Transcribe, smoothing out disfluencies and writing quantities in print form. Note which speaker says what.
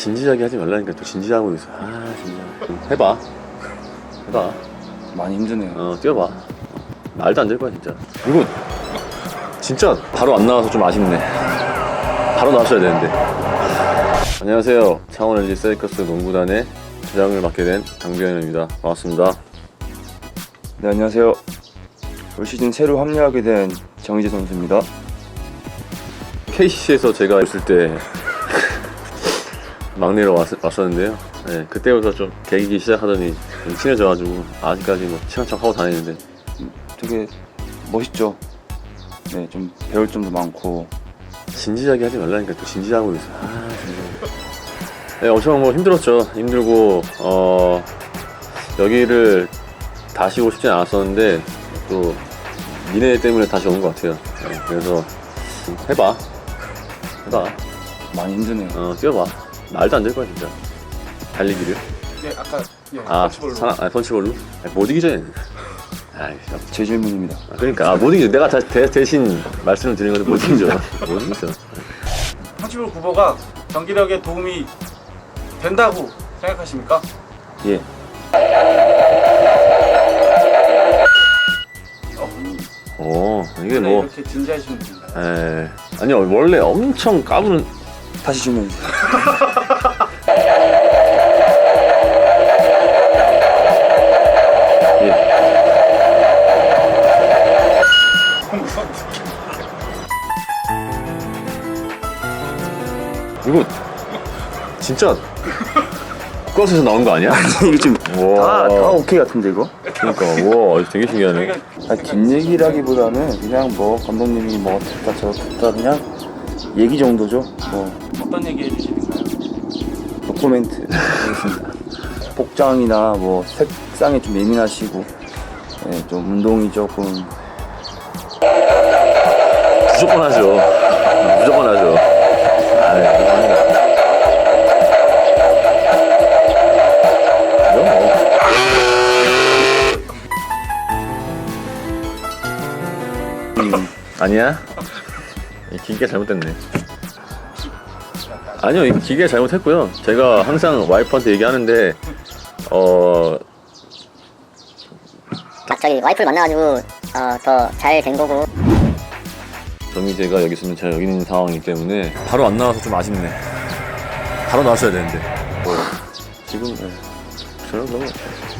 Speaker 1: 진지하게 하지 말라니까 또 진지하고 있어. 진짜. 해봐.
Speaker 2: 많이 힘드네요.
Speaker 1: 뛰어봐. 말도 안 될 거야 진짜. 이거 진짜 바로 안 나와서 좀 아쉽네. 바로 나왔어야 되는데. 안녕하세요. 창원 LG 세이커스 농구단의 주장을 맡게 된 강병현입니다. 반갑습니다.
Speaker 2: 네, 안녕하세요. 올 시즌 새로 합류하게 된 정희재 선수입니다.
Speaker 1: KCC에서 제가 있을 때 막내로 왔었는데요. 네, 그때부터 좀 개기기 시작하더니 좀 친해져가지고 아직까지 뭐 친한 척 하고 다니는데
Speaker 2: 되게 멋있죠. 네, 좀 배울 점도 많고.
Speaker 1: 진지하게 하지 말라니까 또 진지하고 있어. 진짜. 네, 엄청 뭐 힘들었죠. 힘들고 여기를 다시 오고 싶진 않았었는데 또 니네 때문에 다시 온 것 같아요. 네, 그래서 해봐.
Speaker 2: 많이 힘드네요.
Speaker 1: 뛰어봐. 말도 안 될 거야 진짜. 달리기를.
Speaker 3: 예, 아까 펀치볼로.
Speaker 1: 펀치볼로? 못 이기죠 얘는.
Speaker 2: 제 질문입니다.
Speaker 1: 그러니까 못 이기죠. 내가 대신 말씀을 드리는 건데 못 이기죠. 못 이기죠.
Speaker 3: 펀치볼 구보가 경기력에 도움이 된다고 생각하십니까?
Speaker 2: 예.
Speaker 1: 이게
Speaker 3: 원래
Speaker 1: 뭐
Speaker 3: 이렇게 진지하시는 분인가요?
Speaker 1: 아니요 원래 엄청 까부는.
Speaker 2: 다시 질문해 주세요.
Speaker 1: 이거 진짜 국가에서 나온 거 아니야?
Speaker 2: 이거 지금
Speaker 1: 와.
Speaker 2: 다 오케이 같은데 이거?
Speaker 1: 그러니까 와 되게 신기하네.
Speaker 2: 긴 얘기라기보다는 그냥 뭐 감독님이 뭐 어떻다 저렇다 그냥 얘기 정도죠. 뭐
Speaker 3: 어떤 얘기 해주시는가요?
Speaker 2: 노코멘트 하겠습니다. 복장이나 뭐 색상에 좀 예민하시고, 네, 좀 운동이 조금.
Speaker 1: 무조건 하죠. 무조건 하죠. 아니야? 이 기계가 잘못됐네. 아니요, 이 기계가 잘못했고요. 제가 항상 와이프한테 얘기하는데
Speaker 4: 갑자기 와이프를 만나가지고 더 잘 된 거고.
Speaker 1: 정희재가 여기 있으면 제가 여기 있는 상황이기 때문에 바로 안 나와서 좀 아쉽네. 바로 나왔어야 되는데. 지금 저는 그런 거 같아요.